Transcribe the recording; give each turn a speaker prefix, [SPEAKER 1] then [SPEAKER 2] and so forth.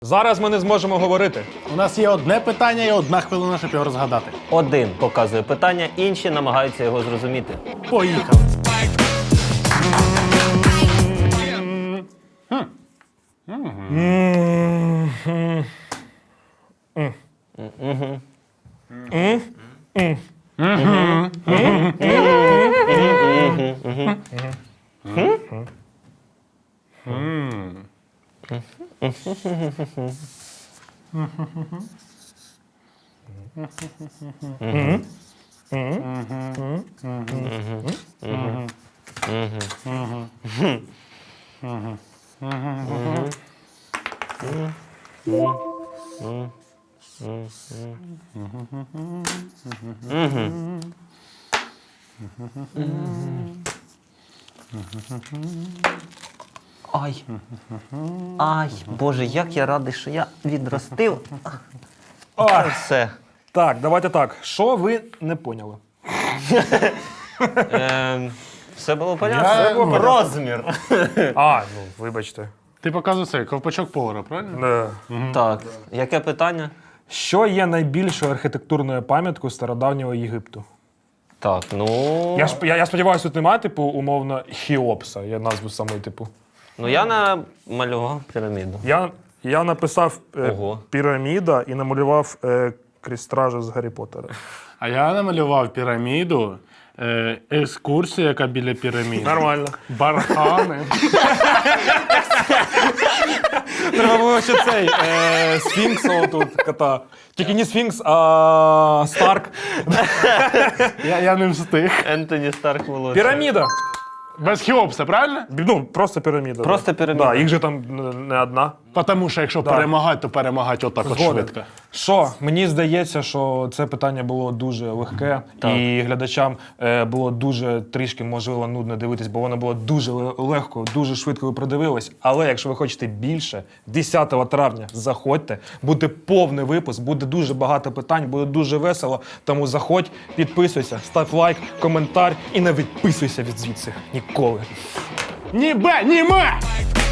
[SPEAKER 1] Зараз ми не зможемо говорити.
[SPEAKER 2] У нас є одне питання і 1 хвилина, щоб його розгадати.
[SPEAKER 3] Один показує питання, інші намагаються його зрозуміти.
[SPEAKER 2] Поїхали.
[SPEAKER 3] Ай. Ай, Боже, як я радий, що я відростив. Це все.
[SPEAKER 1] Так, давайте так. Що ви не поняли?
[SPEAKER 3] Все було понятно? Розмір.
[SPEAKER 1] Ну, вибачте.
[SPEAKER 2] Ти показуєш цей ковпачок повара, правильно?
[SPEAKER 3] Так, яке питання?
[SPEAKER 1] Що є найбільшою архітектурною пам'яткою стародавнього Єгипту?
[SPEAKER 3] Так, ну...
[SPEAKER 1] Я сподіваюся, тут немає, типу, умовно, Хеопса, я назву самої, типу.
[SPEAKER 3] Ну, я намалював піраміду.
[SPEAKER 1] Я написав
[SPEAKER 3] Ого.
[SPEAKER 1] піраміда і намалював крістража з Гаррі Поттера.
[SPEAKER 2] А я намалював піраміду, екскурсія, яка біля піраміди.
[SPEAKER 1] Нормально.
[SPEAKER 2] Бархани.
[SPEAKER 1] Треба було ще цей Сфінкса отут кота. Тільки не Сфінкс, а Старк.
[SPEAKER 2] Я не встиг.
[SPEAKER 3] Ентоні Старк волосся.
[SPEAKER 1] Піраміда.
[SPEAKER 2] Без Хеопса, правильно?
[SPEAKER 1] Ну, просто піраміда.
[SPEAKER 3] Просто піраміда.
[SPEAKER 1] Да, їх же там не одна.
[SPEAKER 2] Тому що якщо перемагати, то перемагати отак от
[SPEAKER 1] Згоден.
[SPEAKER 2] швидко.
[SPEAKER 1] Що? Мені здається, що це питання було дуже легке, і глядачам було дуже трішки, можливо, нудно дивитись, бо воно було дуже легко, дуже швидко ви продивились. Але якщо ви хочете більше, 10 травня заходьте, буде повний випуск, буде дуже багато питань, буде дуже весело. Тому заходь, підписуйся, став лайк, коментар і не відписуйся від звідси ніколи.
[SPEAKER 2] Ні бе, ні ме!